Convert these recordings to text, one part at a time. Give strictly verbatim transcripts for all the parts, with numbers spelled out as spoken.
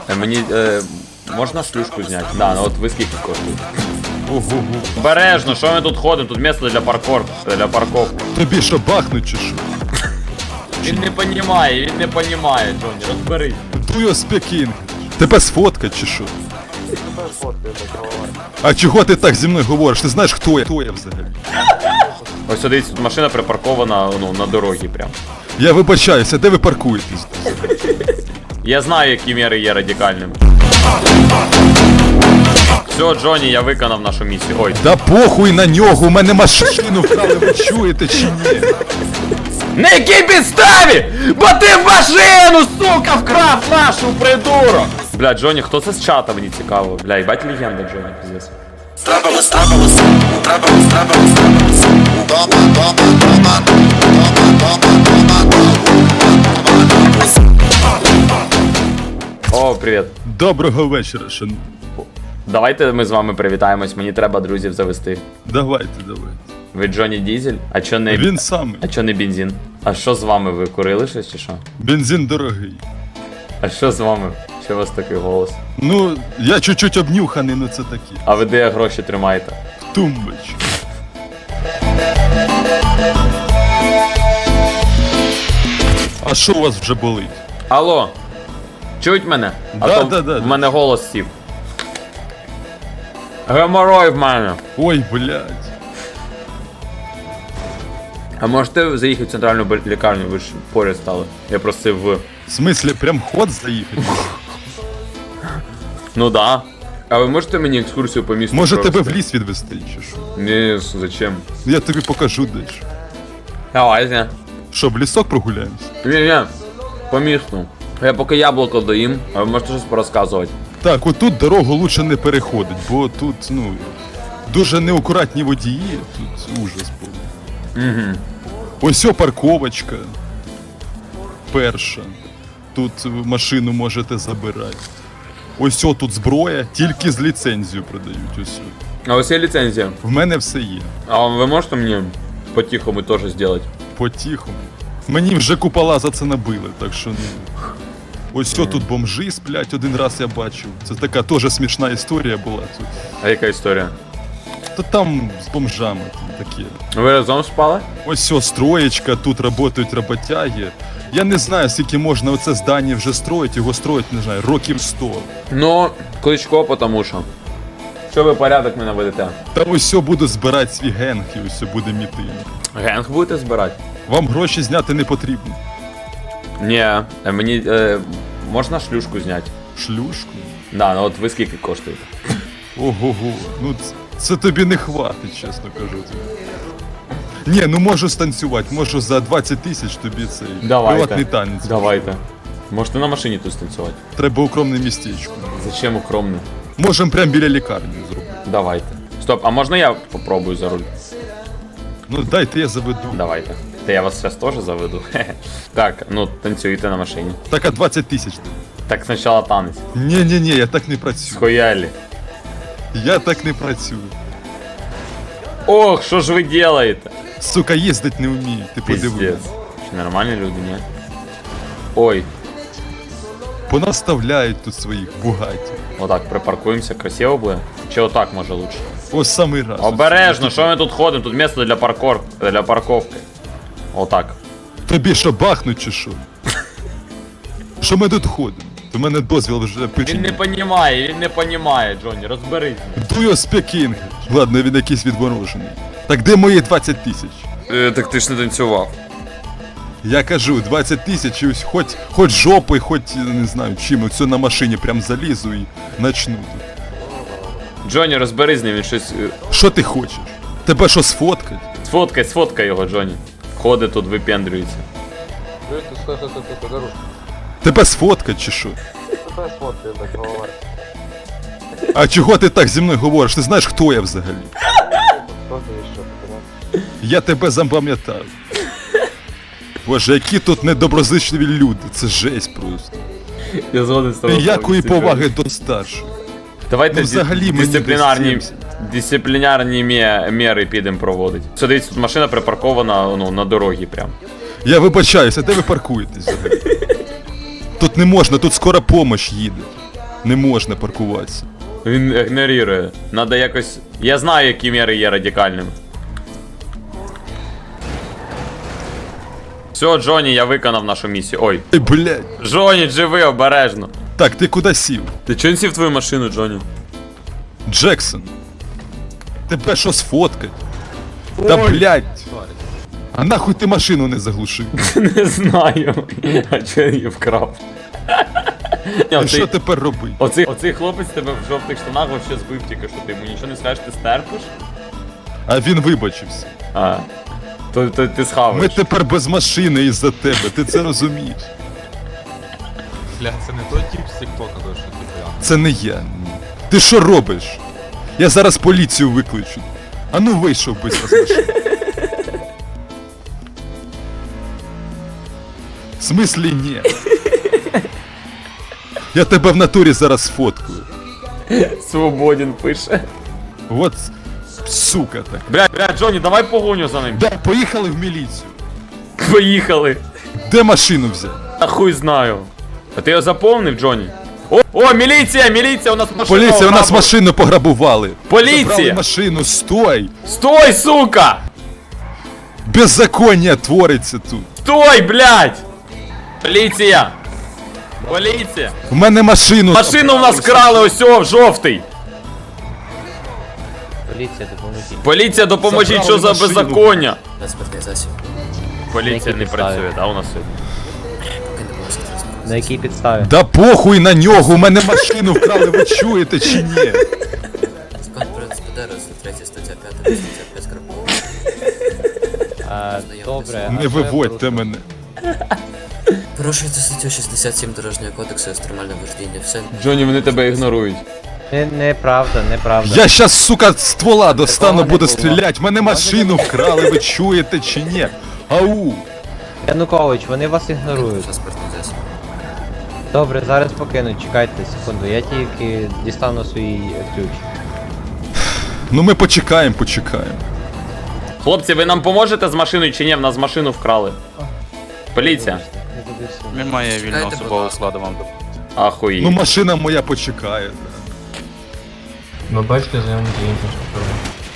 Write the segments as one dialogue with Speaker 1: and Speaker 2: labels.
Speaker 1: Е, Мені е, можна шлюшку зняти? Да, ну от ви скільки коштує?
Speaker 2: Ого-го.
Speaker 1: Обережно, що ми тут ходимо? Тут місце для паркор, для парковки.
Speaker 2: Тобі що, бахнуть чи що?
Speaker 1: Він не понімає, він не понімає, Джонні, розберись.
Speaker 2: Do you speak English? Тебе сфоткать чи що? А чого ти так зі мною говориш? Ти знаєш, хто я? Хто я взагалі?
Speaker 1: Ось дивіться, тут машина припаркована, ну, на дорогі прям.
Speaker 2: Я вибачаюся, де ви паркуєтесь?
Speaker 1: Я знаю, які міри є радикальними. Все, Джонні, я виконав нашу місію. Ой.
Speaker 2: Да похуй на нього, у мене машину вкрали, ви чуєте чи ні?
Speaker 1: На якій підставі? Бо ти в машину, сука, вкрав нашу, придурок! Бля, Джонні, хто це з чата, мені цікаво. Бля, їбать легенда, Джонні, пиздец.
Speaker 3: Трапилось, трапилось, трапилось, трапилось, трапилось. Дома, дома, дома, дома, дома, дома.
Speaker 1: О, привіт.
Speaker 2: Доброго вечора, шановні.
Speaker 1: Давайте ми з вами привітаємось, мені треба друзів завести.
Speaker 2: Давайте, давайте.
Speaker 1: Ви Джонні Дізель? А чо не...
Speaker 2: Він самий.
Speaker 1: А чо не бензин? А що з вами, ви курили щось чи що?
Speaker 2: Бензин дорогий.
Speaker 1: А що з вами? Що у вас такий голос?
Speaker 2: Ну, я чуть-чуть обнюханий, ну це такі.
Speaker 1: А ви де гроші тримаєте?
Speaker 2: Тумбочка. А що у вас вже болить?
Speaker 1: Алло, чують мене? А
Speaker 2: Да,
Speaker 1: то
Speaker 2: да, да,
Speaker 1: в
Speaker 2: да.
Speaker 1: мене голос сів. Геморой в мене.
Speaker 2: Ой, блядь.
Speaker 1: А можете заїхати в центральну бо- лікарню, ви ж поряд стали. Я просив в...
Speaker 2: В смислі, прям ход заїхати?
Speaker 1: Ну да. А ви можете мені екскурсію по місту
Speaker 2: Може тебе в
Speaker 1: провести?
Speaker 2: ліс відвести, чи що?
Speaker 1: Ні, зачем?
Speaker 2: Я тобі покажу дещо.
Speaker 1: Давайте.
Speaker 2: Що, в лісок прогуляємось?
Speaker 1: Ні, ні, по місту. Я поки яблуко доїм, а ви можете щось порозказувати.
Speaker 2: Так, отут дорогу лучше не переходить, бо тут, ну, дуже неакуратні водії, тут ужас повний.
Speaker 1: Угу.
Speaker 2: Ось о парковочка. Перша. Тут машину можете забирати. Ось о тут зброя, тільки з ліцензією продають. Ось о.
Speaker 1: А ось є ліцензія.
Speaker 2: В мене все є.
Speaker 1: А ви можете мені по-тихому теж зробити?
Speaker 2: По-тихому. Мені вже купола за це набили, так що ну. Ось о тут бомжи сплять, один раз я бачив. Це така теж смішна історія була тут.
Speaker 1: А яка історія?
Speaker 2: Та там з бомжами там такі.
Speaker 1: Ви разом спали?
Speaker 2: Ось о, строєчка, тут працюють роботяги. Я не знаю, скільки можна оце здання вже строїть, його строїть, не знаю, років сто.
Speaker 1: Ну, Кличко, потому що. Що ви порядок мене ведете?
Speaker 2: Та ось о буду збирати свій генг і ось о буде мітинг.
Speaker 1: Генг будете збирати?
Speaker 2: Вам гроші зняти не потрібно.
Speaker 1: Ні, е, мені е, можна шлюшку зняти?
Speaker 2: Шлюшку?
Speaker 1: Да, ну от ви скільки коштуєте?
Speaker 2: Ого-го, ну це, це тобі не хватить, чесно кажу. Ні, ну можу станцювати, можу за двадцять тисяч тобі цей приватний танець.
Speaker 1: Давайте. Можете на машині тут станцювати?
Speaker 2: Треба укромне містечко.
Speaker 1: Зачем укромно?
Speaker 2: Можемо прямо біля лікарні зробити.
Speaker 1: Давайте. Стоп, а можна я попробую за руль?
Speaker 2: Ну дайте я заведу.
Speaker 1: Давайте. Та я вас зараз теж заведу. Так, ну танцюйте на машині.
Speaker 2: Так, а двадцять тисяч.
Speaker 1: Так спочатку танець.
Speaker 2: Ні-ні-ні, я так не працюю.
Speaker 1: Схуялі.
Speaker 2: Я так не працюю.
Speaker 1: Ох, що ж ви делаєте?
Speaker 2: Сука, їздить не вмію, ти подивись.
Speaker 1: Пиздец. Чи нормальні люди, ні? Ой,
Speaker 2: Понаставляють тут своїх бугатів.
Speaker 1: отак припаркуємося, красиво буде. Чи отак може лучше?
Speaker 2: Ось самий раз.
Speaker 1: Обережно, що ми тут ходимо? Тут місце для паркор... для парковки. Отак.
Speaker 2: Тобі що, бахнуть чи що? Що ми тут ходимо? У мене дозвіл вже
Speaker 1: Він
Speaker 2: печень.
Speaker 1: не понімає, він не понімає, Джонні, розберись.
Speaker 2: Do you speak English? Ладно, він якийсь відворожений. Так де мої двадцять тисяч?
Speaker 1: Е, так ти ж не танцював.
Speaker 2: Я кажу, двадцять тисяч і ось хоч, хоч жопою, хоч, не знаю, чим, оце на машині прям залізу і начну тут.
Speaker 1: Джонні, розберись з ним, він щось... е,
Speaker 2: Що ти хочеш? Тебе що, сфоткать?
Speaker 1: Сфоткай, сфоткай його, Джонні. Ходить тут, випендрюється.
Speaker 4: Стой, стой, стой, стой, стой, дорожку.
Speaker 2: Тебе сфоткать чи що?
Speaker 4: Стой, смотри, так, голова.
Speaker 2: А чого ти так зі мною говориш? Ти знаєш, хто я взагалі?
Speaker 4: Кто ты еще, понимаешь?
Speaker 2: Я тебе запам'ятав. Боже, які тут недоброзичливі люди, це жесть просто.
Speaker 1: Я згоден з тобою.
Speaker 2: Ніякої
Speaker 1: повністю,
Speaker 2: поваги до старших.
Speaker 1: Давайте
Speaker 2: Ну, взагалі мені
Speaker 1: дисциплінарні,
Speaker 2: десь
Speaker 1: дисциплінарні мє- міри підемо проводити. Все, дивіться, тут машина припаркована ну, на дорогі прям.
Speaker 2: Я вибачаюся, де ви паркуєтесь взагалі? Тут не можна, тут скоро помощь їде. Не можна паркуватися.
Speaker 1: Він ігнорує. Надо якось. Я знаю, які міри є радикальними. Все, Джоні, я виконав нашу місію. Ой.
Speaker 2: Ей, блядь.
Speaker 1: Джоні, живи обережно.
Speaker 2: Так, ти куди сів?
Speaker 1: Ти чого не сів в твою машину, Джоні?
Speaker 2: Джексон. Тебе що сфоткать? Та блядь. А нахуй ти машину не заглушив?
Speaker 1: Не знаю. А чого я її вкрав? Ні,
Speaker 2: І
Speaker 1: оцей,
Speaker 2: що тепер робити?
Speaker 1: оцей, оцей хлопець тебе в жовтих штанах вообще збив тільки що. Ти йому нічого не скажеш, ти стерпиш?
Speaker 2: А він вибачився.
Speaker 1: А. То, то ти
Speaker 2: Ми
Speaker 1: схаваєш.
Speaker 2: тепер без машини із-за тебе, ти це розумієш?
Speaker 5: Бля, це не той тип з тіктока, то що ти прям.
Speaker 2: Це не я. Ти що робиш? Я зараз поліцію викличу. А ну вийшов быстро з машини. В смислі ні. Я тебе в натурі зараз сфоткаю.
Speaker 1: Свободен пише.
Speaker 2: От сука так.
Speaker 1: Бля, бля, Джоні, давай погоню за ним.
Speaker 2: Да, поїхали в міліцію.
Speaker 1: Поїхали.
Speaker 2: Де машину взяти?
Speaker 1: А хуй знаю. А ти його заповнив, Джоні? О, о, міліція, міліція, у нас машина.
Speaker 2: Поліція, у нас
Speaker 1: ограбила.
Speaker 2: машину пограбували.
Speaker 1: Поліція!
Speaker 2: Забрали машину, стой!
Speaker 1: Стой, сука!
Speaker 2: Беззаконня твориться тут.
Speaker 1: Стой, блядь! Поліція! Поліція!
Speaker 2: В мене машину.
Speaker 1: Машину у нас вкрали, ось о, в жовтий!
Speaker 6: Поліція, допоможіть.
Speaker 1: Поліція, допоможіть, що за
Speaker 2: Забрали машину.
Speaker 1: беззаконня?
Speaker 3: Транспортний засіб.
Speaker 1: Поліція
Speaker 6: Які
Speaker 1: не
Speaker 6: підстави?
Speaker 1: працює, да, у нас сьогодні?
Speaker 3: Поки не було транспортний
Speaker 6: На якій підставі?
Speaker 2: Да похуй на нього, у мене машину вкрали, ви чуєте чи ні?
Speaker 3: Закон про СПД, третя стаття п'ята, вісімдесят п'ять крапова.
Speaker 6: А, добре. а
Speaker 2: Не
Speaker 6: що я
Speaker 2: виводьте
Speaker 6: порушив?
Speaker 2: мене.
Speaker 3: Порушуєте статтю шістдесят сім Дорожнього кодексу екстремальне вождіння. Все.
Speaker 1: Джоні, вони тебе ігнорують.
Speaker 6: Не, неправда, неправда.
Speaker 2: Я щас, сука, ствола достану,
Speaker 6: Такого не
Speaker 2: буду
Speaker 6: було.
Speaker 2: стрілять. Мене машину вкрали, ви чуєте чи ні? Ау!
Speaker 6: Янукович, вони вас ігнорують.
Speaker 3: Транспортний засіб.
Speaker 6: Добре, зараз покинуть, чекайте секунду. Я тільки дістану свій ключ.
Speaker 2: Ну ми почекаємо, почекаємо.
Speaker 1: Хлопці, ви нам поможете з машиною чи ні? В нас машину вкрали. Поліція.
Speaker 6: Не туди всі.
Speaker 5: Немає вільного
Speaker 3: Чекайте,
Speaker 5: особового
Speaker 3: будь ласка.
Speaker 5: складу вам.
Speaker 1: Ахуї.
Speaker 2: Ну машина моя почекає.
Speaker 7: Ви бачите, заявники іншого шофера.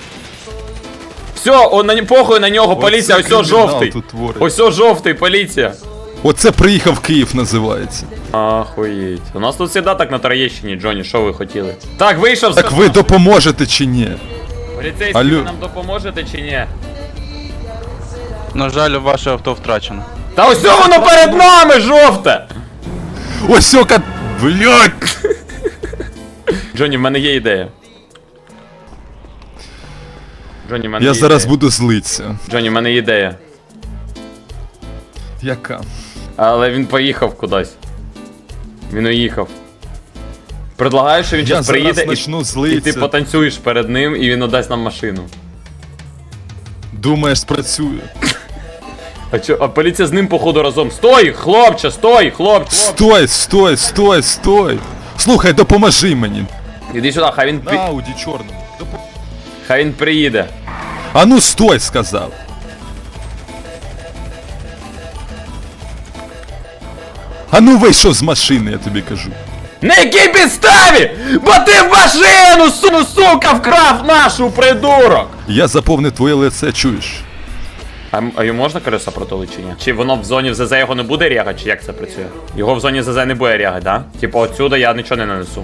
Speaker 1: Все, он на ні- похуй на нього, поліція, ось о,
Speaker 2: кримінал
Speaker 1: жовтий.
Speaker 2: тут твориться.
Speaker 1: Ось о, жовтий, поліція.
Speaker 2: Оце приїхав Київ називається.
Speaker 1: Ахуєть. У нас тут завжди так на Троєщині, Джоні, що ви хотіли? Так, вийшов.
Speaker 2: Так ви допоможете чи ні?
Speaker 1: Поліцейські,
Speaker 2: Алло.
Speaker 1: ви нам допоможете чи ні?
Speaker 5: На жаль, ваше авто втрачено.
Speaker 1: Та ось о, воно перед нами, жовте!
Speaker 2: Ось ока. Блять!
Speaker 1: Джоні, в мене є ідея. Джоні, в мене
Speaker 2: Я
Speaker 1: є
Speaker 2: зараз
Speaker 1: ідея.
Speaker 2: буду злитися.
Speaker 1: Джоні, в мене є ідея.
Speaker 2: Яка?
Speaker 1: Але він поїхав кудись. Він уїхав. Предлагаю, що він
Speaker 2: Я
Speaker 1: зараз
Speaker 2: зараз
Speaker 1: приїде і,
Speaker 2: почну
Speaker 1: і ти
Speaker 2: злитися.
Speaker 1: потанцюєш перед ним, і він отдасть нам машину.
Speaker 2: Думаєш, спрацює?
Speaker 1: А чо, а поліція з ним походу разом. Стой, хлопче, стой, хлопче.
Speaker 2: Стой, стой, стой, стой! Слухай, допоможи мені.
Speaker 1: Іди сюди, хай він,
Speaker 2: На
Speaker 1: пі...
Speaker 2: Ауді чорному. Допо-
Speaker 1: хай він приїде.
Speaker 2: А ну стой, сказав. А ну вийшов з машини, я тобі кажу.
Speaker 1: На якій підставі? Бо ти в машину, су, сука, вкрав нашу, придурок!
Speaker 2: Я заповнив твоє лице, чуєш?
Speaker 1: А, м- а йому можна колеса протулити чи ні? Чи воно в зоні в ЗЗ його не буде рягати, чи як це працює? Його в зоні ЗЗ не буде рягати, да? Типу отсюда я нічого не нанесу.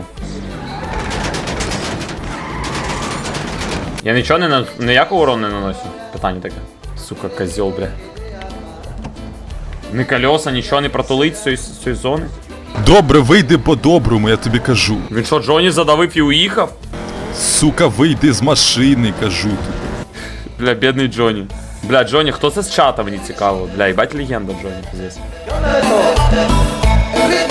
Speaker 1: Я нічого не на... ніякого урону не наносю? Питання таке. Сука, козьол, бля. Ні колеса, нічого не протулить з цієї, з цієї зони?
Speaker 2: Добре, вийди по-доброму, я тобі кажу.
Speaker 1: Він що, Джоні задавив і уїхав?
Speaker 2: Сука, вийди з машини, кажу тобі.
Speaker 1: Бля, бідний Джоні. Бля, Джоні, хто це з чата, мені цікаво. Бля, їбать легенда Джоні, пиздец.